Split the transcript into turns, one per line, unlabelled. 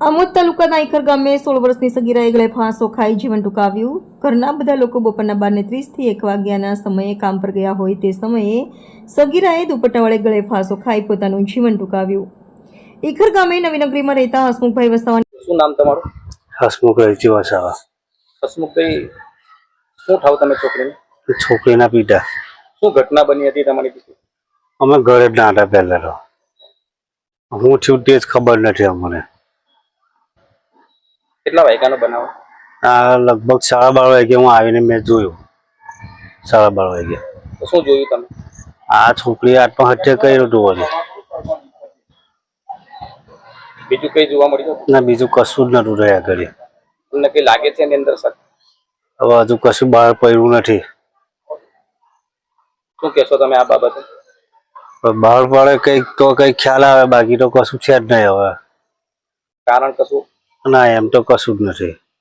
આમોદ તાલુકાના ઈખર ગામે 16 વર્ષની સગીરાએ ગળે ફાંસો ખાઈ જીવન ટૂંકાવ્યું। ઘરના બધા લોકો બપોરના 12:30 થી 1 વાગ્યાના સમયે કામ પર ગયા હોય તે સમયે સગીરાએ દુપટ્ટા વડે ગળે ફાંસો ખાઈ પોતાનું જીવન ટૂંકાવ્યું। ઈખર ગામે નવી નગરીમાં રહેતા હસમુખભાઈ વસાવા।
શું નામ તમારું?
હસમુખભાઈ વસાવા।
હસમુખભાઈ, શું થાવ તમે છોકરીને?
છોકરીના પિતા।
શું ઘટના બની હતી તમારી પીછે?
અમે ઘરે જ ના હતા પહેલા તો, હું છું તે જ ખબર નથી અમને।
કેટલા વાગ્યાનો બનાવ?
આ લગભગ 12:30 વાગે હું આવીને મેં જોયું। 12:30 વાગે
તો શું જોયું તમે?
આ છોકરીએ આત્મહત્યા કર્યું હતું વળી।
બીજું કઈ જોવા મળ્યું?
ના, બીજું કશું જ નતું રહ્યા ઘરે।
તમને કઈ લાગે છે એની અંદર સર?
હવે હજુ કશું બહાર પડ્યું નથી।
શું કહેશો તમે આ બાબતે?
બહાર પડે કંઈક તો કંઈક ખ્યાલ આવે, બાકી તો કશું છે જ નહીં હવે।
કારણ કશું?
ના, એમ તો કશું જ નથી।